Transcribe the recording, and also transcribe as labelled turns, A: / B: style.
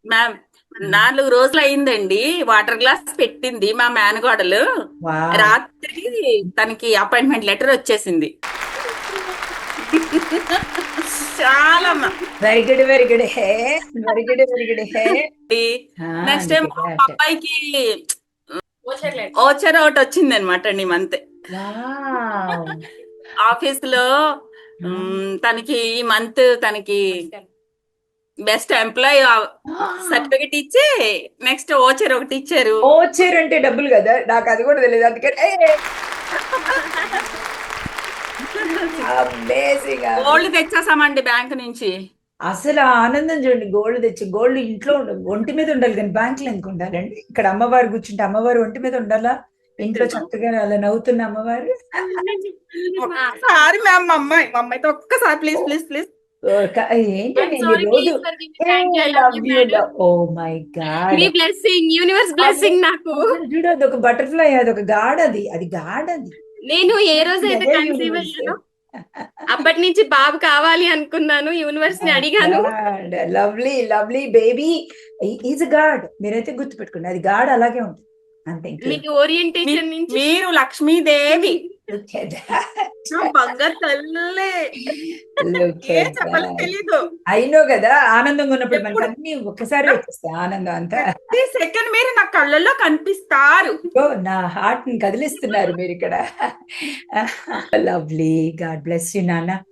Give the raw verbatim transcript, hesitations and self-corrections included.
A: Ma'am నాలుగు రోజులు అయిందండి. వాటర్ గ్లాస్ పెట్టింది మా మేనకోడలు.
B: వావ్.
A: రాత్రి తనకి అపాయింట్మెంట్ లెటర్ వచ్చేసింది. చాలా
B: very good, very good. Hey, very good, very good. Hey.
A: Next time
B: అందుకే
A: మా
B: గ్రేట్.
A: అబ్బాయికి ఓచర్ ఒకటి వచ్చింది అనమాట అండి. Month
B: wow.
A: ఆఫీస్ లో మ్, తనకి ఈ మంత్ తనకి బెస్ట్ ఎంప్లాయ్ సర్టిఫికెట్ ఇచ్చి నెక్స్ట్ ఓచర్ ఒకటి ఇచ్చారు.
B: ఓచర్ అంటే డబ్బులు కదా, నాకు అది కూడా తెలియదు. అందుకని అమేజింగ్.
A: గోల్డ్ తెచ్చేసామండి బ్యాంక్ నుంచి.
B: అసలు ఆ ఆనందం చూడండి. గోల్డ్ తెచ్చి, గోల్డ్ ఇంట్లో ఉండ- ఒంటి మీద ఉండాలి కానీ బ్యాంకులో ఎందుకు ఉండాలండి? ఇక్కడ అమ్మవారు కూర్చుంటే అమ్మవారు ఒంటి మీద ఉండాలా? ఇంట్లో చక్కగా అలా నవ్వుతున్న అమ్మవారు.
A: ఒక్కసారి మ్యామ్ మా అమ్మాయి మా అమ్మాయితో ఒక్కసారి ప్లీజ్ ప్లీజ్ ప్లీజ్.
B: ఓ, క- ఏంటండి ఈ రోజు? Love you, love. Oh my god.
C: మీ బ్లెస్సింగ్, యూనివర్స్ బ్లెస్సింగ్ నాకు.
B: చూడు, అది ఒక బటర్ఫ్లై, అది ఒక గాడ్, అది అది గాడ్, అది
C: నేను ఏ రోజు అయితే కన్సీవ్ అయ్యానో అప్పటి నుంచి బాబు కావాలి అనుకున్నాను, యూనివర్స్ ని అడిగాను.
B: Lovely lovely baby is god. మీరైతే గుర్తు పెట్టుకోండి, అది గాడ్ అలాగే ఉంటుంది అంతే. ఇంకేం.
C: మీకు ఓరియంటేషన్ నుంచి
A: మీరు లక్ష్మీదేవి
B: Look at that.
A: నా బంగారు తల్లే.
B: Look
A: ఏ
B: at
A: చెప్పాలో
B: that.
A: తెలీదు.
B: అయినో కదా, ఆనందంగా ఉన్నప్పుడు మనకి
A: ఎప్పుడు
B: అన్ని ఒక్కసారి వచ్చేస్తాయి ఆనందం అంతా.
A: ప్రతి సెకండ్ మీరు నా కళ్ళల్లో కనిపిస్తారు.
B: ఓ, నా హార్ట్ ని కదిలిస్తున్నారు మీరు ఇక్కడ. లవ్లీ. గాడ్ బ్లెస్ యూ నాన్న.